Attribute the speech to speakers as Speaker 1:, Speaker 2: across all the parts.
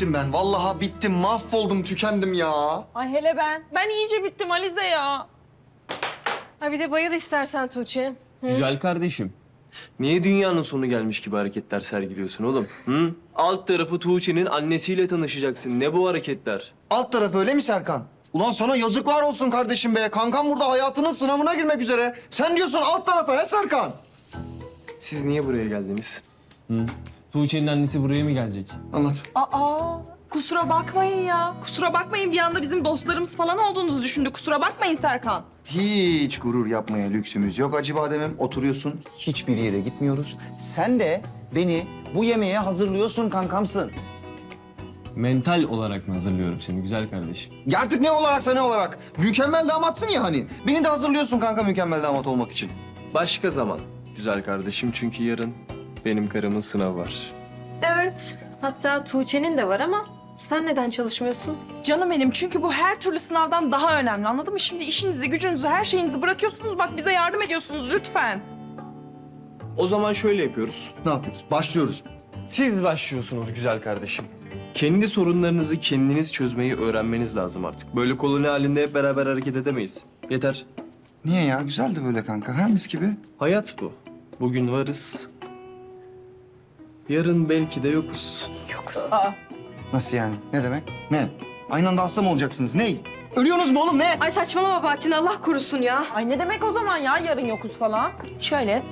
Speaker 1: bittim ben. Vallahi bittim, mahvoldum, tükendim ya.
Speaker 2: Ay hele ben. Ben iyice bittim Alize ya.
Speaker 3: Ha bir de bayıl istersen Tuğçe.
Speaker 4: Güzel kardeşim. Niye dünyanın sonu gelmiş gibi hareketler sergiliyorsun oğlum? Hı? Alt tarafı Tuğçe'nin annesiyle tanışacaksın. Ne bu hareketler?
Speaker 1: Alt taraf öyle mi Serkan? Ulan sana yazıklar olsun kardeşim be. Kankam burada hayatının sınavına girmek üzere. Sen diyorsun alt tarafa he Serkan?
Speaker 4: Siz niye buraya geldiniz?
Speaker 5: Tuğçe'nin annesi buraya mı gelecek?
Speaker 1: Anlat.
Speaker 2: Aa, kusura bakmayın ya. Kusura bakmayın, bir anda bizim dostlarımız falan olduğunuzu düşündü. Kusura bakmayın Serkan.
Speaker 1: Hiç gurur yapmaya lüksümüz yok Acıbadem'im. Oturuyorsun, hiçbir yere gitmiyoruz. Sen de beni bu yemeğe hazırlıyorsun, kankamsın.
Speaker 5: Mental olarak mı hazırlıyorum seni güzel kardeşim?
Speaker 1: Ya artık ne olaraksa ne olarak. Mükemmel damatsın ya hani. Beni de hazırlıyorsun kanka mükemmel damat olmak için.
Speaker 4: Başka zaman güzel kardeşim çünkü yarın benim karımın sınavı var.
Speaker 3: Evet. Hatta Tuğçe'nin de var ama sen neden çalışmıyorsun?
Speaker 2: Canım benim, çünkü bu her türlü sınavdan daha önemli, anladın mı? Şimdi işinizi, gücünüzü, her şeyinizi bırakıyorsunuz. Bak bize yardım ediyorsunuz lütfen.
Speaker 4: O zaman şöyle yapıyoruz.
Speaker 1: Ne yapıyoruz? Başlıyoruz.
Speaker 4: Siz başlıyorsunuz güzel kardeşim. Kendi sorunlarınızı kendiniz çözmeyi öğrenmeniz lazım artık. Böyle koloni halinde hep beraber hareket edemeyiz. Yeter.
Speaker 1: Niye ya? Güzeldi böyle kanka. Ha mis gibi.
Speaker 4: Hayat bu. Bugün varız. Yarın belki de yokuz.
Speaker 2: Aa,
Speaker 1: Nasıl yani? Ne demek? Ne? Aynı anda hasta mı olacaksınız? Ney? Ölüyorsunuz mu oğlum ne?
Speaker 3: Ay saçmalama Bahattin, Allah korusun ya.
Speaker 2: ay ne demek o zaman ya, yarın yokuz falan?
Speaker 3: Şöyle.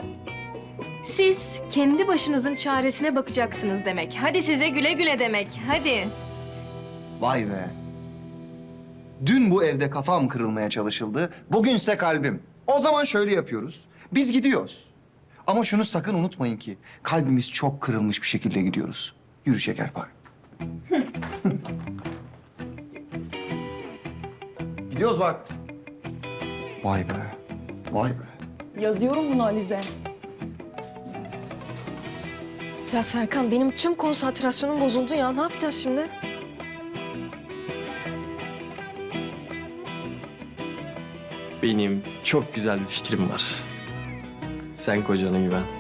Speaker 3: Siz kendi başınızın çaresine bakacaksınız demek. Hadi size güle güle demek. Hadi.
Speaker 1: Vay be. Dün bu evde kafam kırılmaya çalışıldı. Bugünse kalbim. O zaman şöyle yapıyoruz. Biz gidiyoruz. Ama şunu sakın unutmayın ki kalbimiz çok kırılmış bir şekilde gidiyoruz. Yürü Şekerpare. Gidiyoruz bak. Vay be. Vay be.
Speaker 2: Yazıyorum bunu Alize.
Speaker 3: Ya Serkan, benim tüm konsantrasyonum bozuldu ya. Ne yapacağız şimdi?
Speaker 4: Benim çok güzel bir fikrim var. Sen kocana güven.